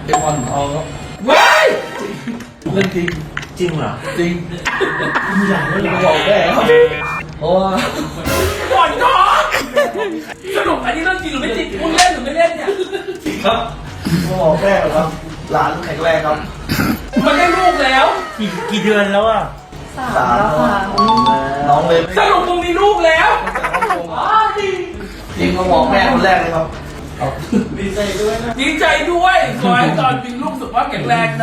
เป็นวันทองครับว้ายเรื่องจริงจริงเหรอจริงมีหลานแล้วเหรอบอกแม่ครับเพราะว่าก่อนท้องสรุปอันนี้เรื่องจริงหรือไม่จริงมึงเล่นหรือไม่เล่นเนี่ยครับบอกแม่ครับ หลานแข็งแรงครับมันได้ลูกแล้วกี่เดือนแล้วอ่ะสามแล้วค่ะน้องเลยสรุปมึงมีลูกแล้วตั้งแต่ฮ่องกงจริงก็บอกแม่คนแรกเลยครับครับดีใจด้วยนะดีใจด้วยขอให้ตอนมีลูกสุขภาพแข็งแรงนะ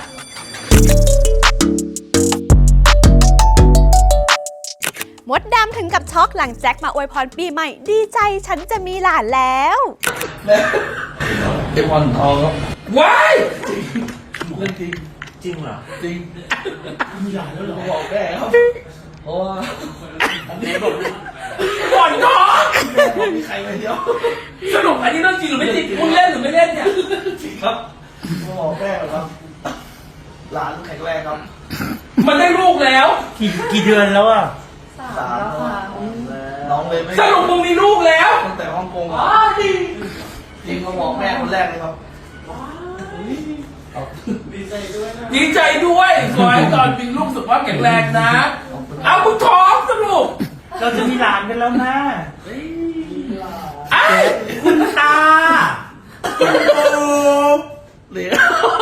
มดดำถึงกับช็อกหลังแจ็คมาอวยพรปีใหม่ ดีใจฉันจะมีหลานแล้วแม่เป็นวันทองครับว้ายเรื่องจริงจริงเหรอจริงมีหลานแล้วเหรอบอกแม่ครับเพราะว่าอันนี้บอกเลยก่อนท้องมีใครไปเดียวสรุปอันนี้เรื่องจริงหรือไม่จริงมึงเล่นหรือไม่เล่นเนี่ยครับบอกแม่ครับ หลานแข็งแรงครับมันได้ลูกแล้วกี่เดือนแล้วอ่ะสามแล้วค่ะน้องเลยไม่สรุปมึงมีลูกแล้วตั้งแต่ฮ่องกงจริงก็บอกแม่คนแรกเลยครับครับดีใจด้วยนะดีใจด้วยขอให้ตอนมีลูกสุขภาพแข็งแรงนะ เอามึงท้องสรุปเราจะมีหลานกันแล้วนะไอ้คุณตาเหลือ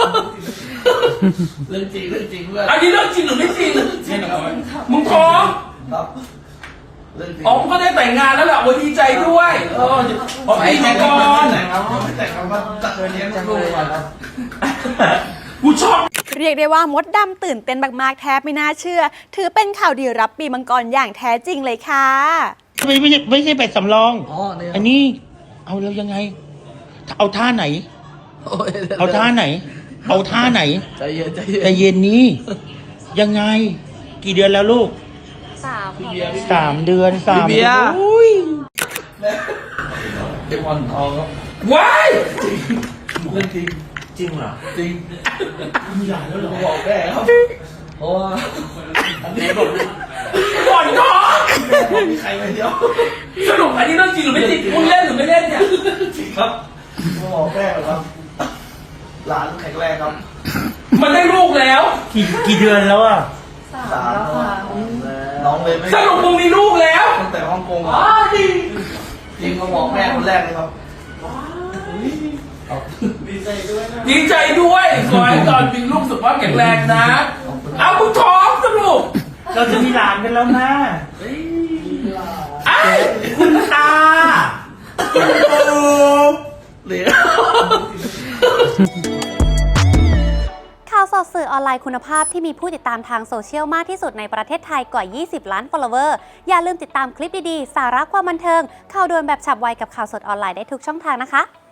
เรื่องจริงเรื่องจริงเพื่อนอันนี้เรื่องจริงหรือไม่จริงมึงท้องครับเรื่องจริงอ๋อมึงก็ได้แต่งงานแล้วแหละโอ้ยดีใจด้วยขอปีก่อนแต่งครับไม่แต่งครับว่าจะเลี้ยงลูกก่อนครับกูชอบเรียกได้ว่ามดดำตื่นเต้นมากๆแทบไม่น่าเชื่อ ถือเป็นข่าวดีรับปีมังกรอย่างแท้จริงเลยค่ะไม่ใช่แบบสำรองอ๋อเนี่ยอันนี้เอาแล้วยังไง เอาท่าไหนโอ้ยเอาท่าไหน เอาท่าไหนใจเย็นใจเย็นแต่เย็นนี้ ยังไง กี่เดือนแล้วลูกพี่เบียร์พี่ 3 เดือน3 เบียร์อุ้ยแม่เป็นวันทองครับว้ายเรื่องจริงจริงเหรอจริงมีหลานแล้วเหรอบอกแม่ครับเพราะว่าอันนี้บอกเลยก่อนท้องมีใครไปเดียวสรุปอันนี้เรื่องจริงหรือไม่จริงมึงเล่นหรือไม่เล่นเนี่ยครับบอกแม่ครับ หลานแข็งแรงครับมันได้ลูกแล้วกี่เดือนแล้วอ่ะสามแล้วค่ะน้องเลยไม่สรุปมึงมีลูกแล้วตั้งแต่ฮ่องกงจริงก็บอกแม่คนแรกเลยครับครับดีใจด้วยนะดีใจด้วยขอให้ตอนมีลูกสุขภาพแข็งแรงนะ เอามึงท้องสรุปเราจะมีหลานกันแล้วนะไอ้คุณตาเหลือข่าวสดสื่อออนไลน์คุณภาพที่มีผู้ติดตามทางโซเชียลมากที่สุดในประเทศไทยกว่า 20 ล้าน follower อย่าลืมติดตามคลิปดีๆ สาระความบันเทิง ข่าวด่วนแบบฉับไวกับข่าวสดออนไลน์ได้ทุกช่องทางนะคะ